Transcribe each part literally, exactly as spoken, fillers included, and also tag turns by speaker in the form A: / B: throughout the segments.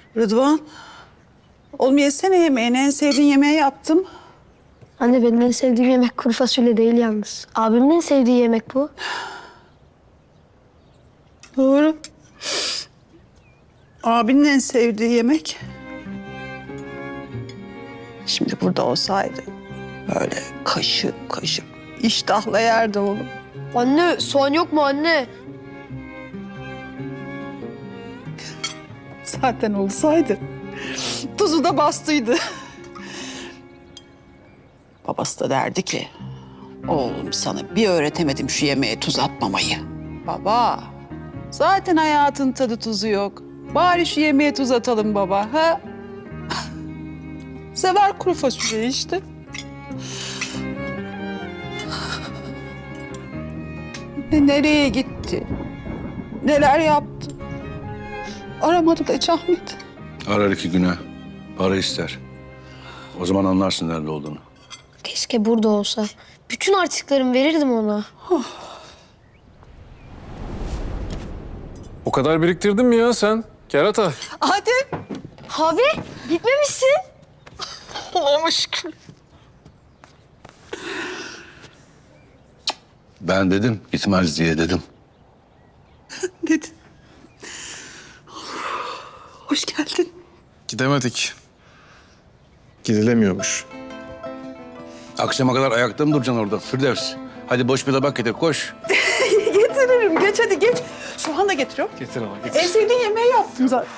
A: Rıdvan. Oğlum yesene yemeğini. En sevdiğin yemeği yaptım.
B: Anne benim en sevdiğim yemek kuru fasulye değil yalnız. Abimin en sevdiği yemek bu.
A: Doğru. Abinin en sevdiği yemek. Şimdi burada olsaydı böyle kaşık kaşık iştahla yerdi oğlum.
B: Anne soğan yok mu anne?
A: Zaten olsaydı tuzu da bastıydı. Babası da derdi ki, oğlum sana bir öğretemedim şu yemeğe tuz atmamayı. Baba, zaten hayatın tadı tuzu yok. Bari şu yemeğe tuz atalım baba, ha? Sever kuru fasulye işte. Ne nereye gitti? Neler yaptı? Aramadı da hiç Ahmet.
C: Arar iki güne. Para ister. O zaman anlarsın nerede olduğunu.
B: Keşke burada olsa. Bütün harçlıklarımı verirdim ona.
D: O kadar biriktirdin mi ya sen? Kerata.
A: Adem.
B: Abi gitmemişsin.
A: Allah'ıma şükür.
C: Ben dedim gitmez diye dedim.
A: Dedin. Hoş geldin.
D: Gidemedik. Gidilemiyormuş.
C: Akşama kadar ayakta mı duracaksın orada Firdevs? Hadi boş bir tabak getir koş.
A: Getiririm. Geç hadi geç. Soğan da getiriyorum.
D: Getir ama getir.
A: En sevdiğin yemeği yaptım zaten.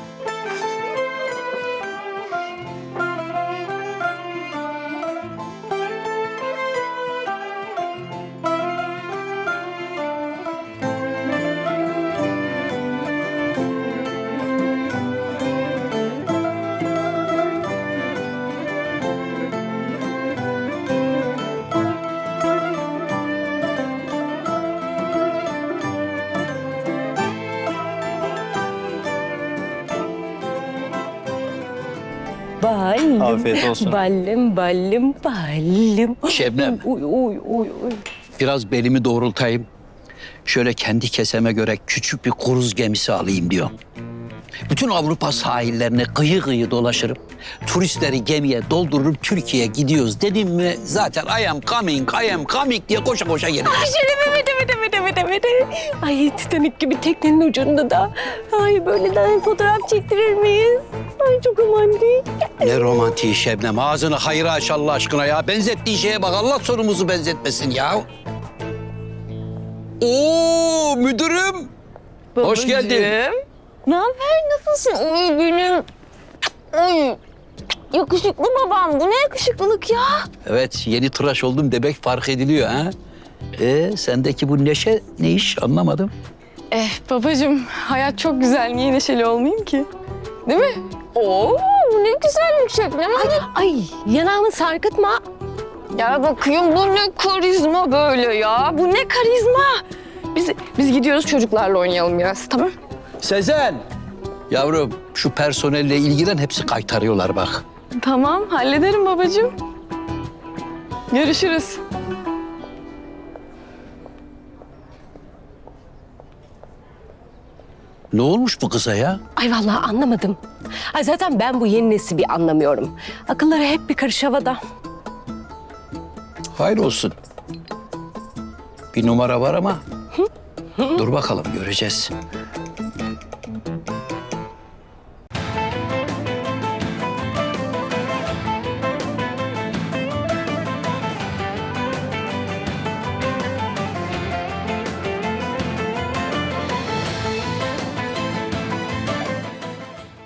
E: Ballım.
F: Afiyet olsun.
E: Ballım, ballım, ballım.
G: Şebnem.
E: Uy, uy, uy, uy.
G: Biraz belimi doğrultayım. Şöyle kendi keseme göre küçük bir kruz gemisi alayım diyorum. Bütün Avrupa sahillerine kıyı kıyı dolaşırım. Turistleri gemiye doldururum, Türkiye'ye gidiyoruz dedim mi zaten I am coming, I am coming diye koşa koşa gelirim.
E: Ay şöyle evet, evet, evet, evet, evet, evet. Ay Titanic gibi teknenin ucunda da. Ay böyle de fotoğraf çektirir miyiz? Ay çok romantik.
G: Ne romantiği Şebnem, ağzını hayra aç Allah aşkına ya. Benzettiği şeye bak, Allah sonumuzu benzetmesin ya. Oo müdürüm. Hoş geldin.
E: Ne haber? Nasılsın? Uy benim. Uy. Yakışıklı babam. Bu ne yakışıklılık ya?
G: Evet, yeni tıraş oldum demek fark ediliyor ha. Ee, sendeki bu neşe ne iş anlamadım.
H: Eh babacığım, hayat çok güzel. Niye neşeli olmayayım ki? Değil mi?
E: Oo, bu ne güzellik Şebnem. Ay, ay yanağımı sarkıtma.
H: Ya bakayım bu ne karizma böyle ya. Bu ne karizma. Biz biz gidiyoruz çocuklarla oynayalım biraz, tamam?
G: Sezen. Yavrum şu personelle ilgilen, hepsi kaytarıyorlar bak.
H: Tamam, hallederim babacığım. Görüşürüz.
G: Ne olmuş bu kıza ya?
E: Ay vallahi anlamadım. Ay zaten ben bu yeni nesli anlamıyorum. Akılları hep bir karış havada.
G: Hayır olsun. Bir numara var ama dur bakalım göreceğiz.